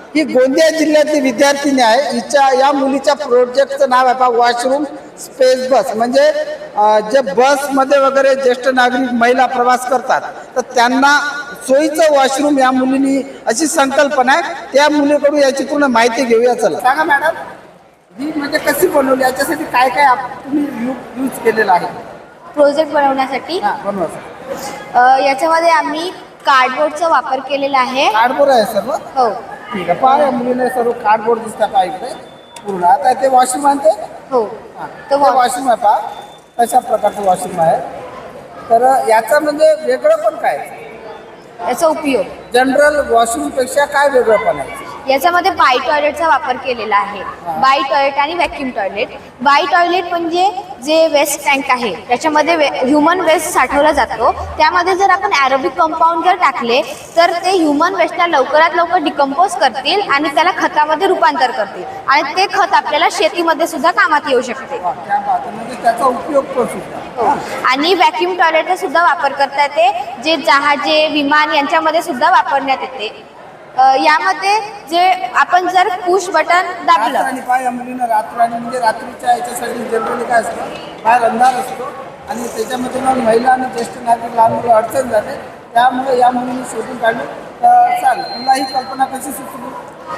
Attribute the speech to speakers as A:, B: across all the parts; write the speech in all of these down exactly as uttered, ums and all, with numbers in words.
A: ही गोंदिया जिल्ह्यातली विद्यार्थिनी आहे. हिच्या या मुलीच्या प्रोजेक्टचं नाव आहे पहा वॉशरूम स्पेस बस. म्हणजे जे बसमध्ये वगैरे ज्येष्ठ नागरिक महिला प्रवास करतात तर त्यांना सोयीचं वॉशरूम या मुलीनी अशी संकल्पना आहे. त्या मुलीकडून याची पूर्ण माहिती घेऊया. चला सांगा मॅडम, ही म्हणजे कशी बनवली, याच्यासाठी काय काय तुम्ही यूज केलेलं आहे
B: प्रोजेक्ट बनवण्यासाठी?
A: बनवण्यासाठी
B: याच्यामध्ये आम्ही कार्डबोर्डचा वापर केलेला आहे.
A: कार्डबोर्ड आहे सर्व?
B: हो.
A: ठीक आहे. पहा मुलीने सर्व कार्डबोर्ड दिसतात पहा इकडे पूर्ण. आता ते वॉशरूम आणते.
B: हो,
A: तो वॉशरूम आहे पहा, कशा प्रकारचं वॉशरूम आहे. तर याचा म्हणजे वेगळं पण काय,
B: याचा उपयोग
A: जनरल वॉशरूम पेक्षा काय वेगळं पण आहे?
B: याच्यामध्ये बाय टॉयलेटचा वापर केलेला आहे. बाय टॉयलेट आणि व्हॅक्यूम टॉयलेट. बाय टॉयलेट म्हणजे जे वेस्ट टँक आहे त्याच्यामध्ये ह्युमन वेस्ट साठवला जातो. त्यामध्ये जर आपण ॲरोबिक कंपाऊंड जर टाकले तर ते ह्युमन वेस्टला लवकरात लवकर डिकम्पोज करतील आणि त्याला खतामध्ये रूपांतर करतील आणि ते खत आपल्याला शेतीमध्ये सुद्धा कामात येऊ शकते.
A: त्याचा उपयोग
B: हो. आणि व्हॅक्यूम टॉयलेटचा सुद्धा वापर करता येते, जे जहाजे विमान यांच्यामध्ये सुद्धा वापरण्यात येते. यामध्ये जे आपण जर पुश बटन दाबलं
A: आणि पाय या मुलीनं रात्र आणि म्हणजे रात्रीच्या याच्यासाठी जनरली काय असतं, बाहेर अंधार असतो आणि त्याच्यामध्ये मग महिला आणि ज्येष्ठ नागरिक लहान मुलं अडचण जाते. त्यामुळे या मुलीने शोधून काढली. चाल तुला ही कल्पना कशी सुचली?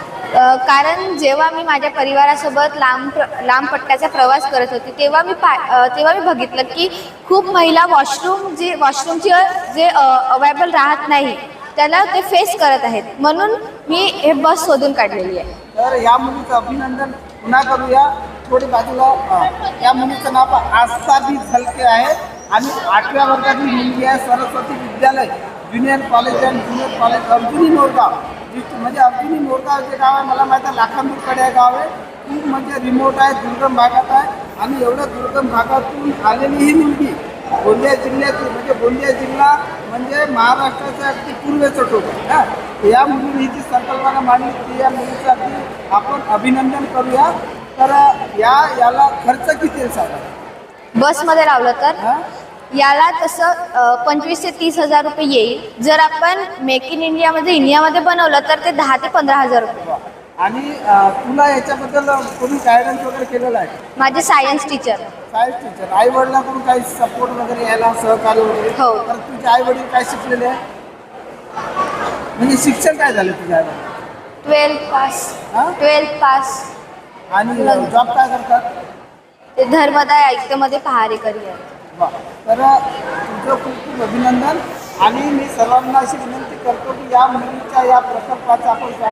B: कारण जेव्हा मी माझ्या परिवारासोबत लांब लांब पट्ट्याचा प्रवास करत होते तेव्हा मी पा तेव्हा मी बघितलं की खूप महिला वॉशरूम जे वॉशरूमची जे अवेलेबल राहत नाही त्याला ते फेस करत आहेत. म्हणून मी हे बस शोधून काढलेली आहे.
A: तर या मुलीचं अभिनंदन पुन्हा करूया. थोडी बाजूला या मुलीचं नाव आस्था बी झलके आहे आणि आठव्या वर्गातील मुलगी आहे. Saraswati Vidyalaya junior college and junior college Arjuni Morgaon. म्हणजे अर्जुनी मोरगाव जे गाव आहे मला माहीत आहे लाखांदूरकडे गाव आहे. खूप म्हणजे रिमोट आहे, दुर्गम भागात आहे आणि एवढ्या दुर्गम भागातून आलेली ही मुलगी गोंदिया जिल्ह्यातील म्हणजे गोंदिया जिल्हा म्हणजे महाराष्ट्राचा अगदी पूर्वेचं टोक आहे. या मुलीने जी संकल्पना मांडली ती या मुलीचं अगदी आपण अभिनंदन करूया. तर या याला खर्च किती येईल सांगा
B: बसमध्ये लावलं तर? याला तसं पंचवीस ते तीस हजार रुपये येईल. जर आपण मेक इन इंडियामध्ये इंडियामध्ये बनवलं तर ते दहा ते पंधरा हजार रुपये.
A: आणि तुला याच्याबद्दल कोणी गायडन्स वगैरे केलेलं आहे?
B: माझे सायन्स टीचर.
A: Science teacher. आई वडिलांकडून काही सपोर्ट वगैरे यायला सहकार्य वगैरे?
B: हो.
A: तर तुझे आई वडील काय शिकलेले आहे, म्हणजे शिक्षण काय झालं तुझ्या आई वडील?
B: Twelfth pass. Twelfth pass.
A: आणि जॉब काय करतात?
B: ते धर्मदाय आयुक्तमध्ये पहारे करिअर.
A: वा. तर तुझं खूप खूप अभिनंदन. आणि मी सर्वांना अशी विनंती करतो की या मुलीच्या या प्रकल्पाचा आपण